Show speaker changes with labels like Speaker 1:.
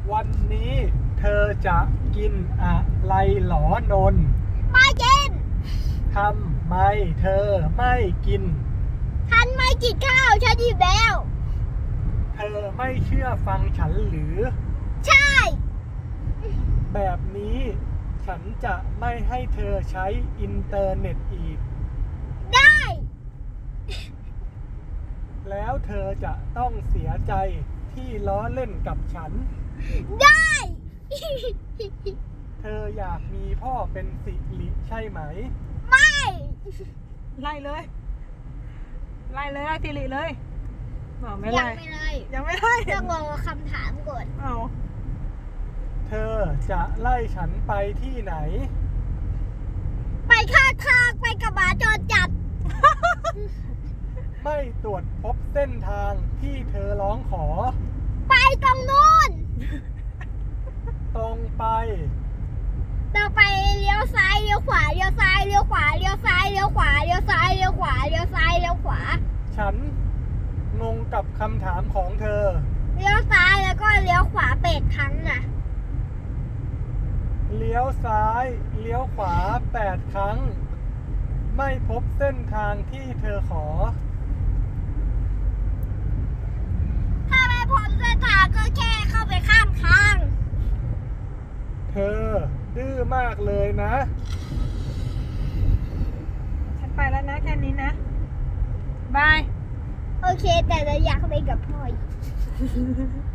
Speaker 1: วันนี้เธอจะกินอะไรหรอนน
Speaker 2: ไม่กิน
Speaker 1: ทำไมเธอไม่กิน
Speaker 2: ฉันไม่กินข้าวฉันอิ่มแล้ว
Speaker 1: เธอไม่เชื่อฟังฉันหรือ
Speaker 2: ใช่
Speaker 1: แบบนี้ฉันจะไม่ให้เธอใช้อินเทอร์เน็ตอีก
Speaker 2: ได้
Speaker 1: แล้วเธอจะต้องเสียใจที่ล้อเล่นกับฉัน
Speaker 2: ได้
Speaker 1: เธออยากมีพ่อเป็นสิริใช่ไหม
Speaker 2: ไม่
Speaker 3: ไล่เลยไล่สิริเลยบอกไม่
Speaker 2: ยั
Speaker 3: ไล่
Speaker 2: งไม่เลย
Speaker 3: ยังไม่ไล่
Speaker 2: ต้องรอคำถามก่อน
Speaker 3: เอา
Speaker 1: เธอจะไล่ฉันไปที่ไหน
Speaker 2: ไปข้างทางไปกับหมาจรจัด
Speaker 1: ไม่ตรวจพบเส้นทางที่เธอร้องขอ
Speaker 2: ไปตรงนู้น
Speaker 1: ตรงไป
Speaker 2: เราไปเลี้ยวซ้ายเลี้ยวขวาเลี้ยวซ้ายเลี้ยวขวาเลี้ยวซ้ายเลี้ยวขวาเลี้ยวซ้ายเลี้ยวขวาเลี้ยวซ้ายเลี้ยวขวา
Speaker 1: ฉันงงกับคำถามของเธอ
Speaker 2: เลี้ยวซ้ายแล้วก็เลี้ยวขวาเป็ดครั้งน่ะ
Speaker 1: เลี้ยวซ้าย เลี้ยวขวา8 ครั้ง ไม่พบเส้นทางที่เธอขอ
Speaker 2: ถ้าไม่พบเส้นทางก็แค่เข้าไปข้างทาง
Speaker 1: เธอดื้อมากเลยนะ
Speaker 3: ฉันไปแล้วนะแค่นี้นะบาย
Speaker 2: โอเคแต่เราอยากไปกับพ่ออีก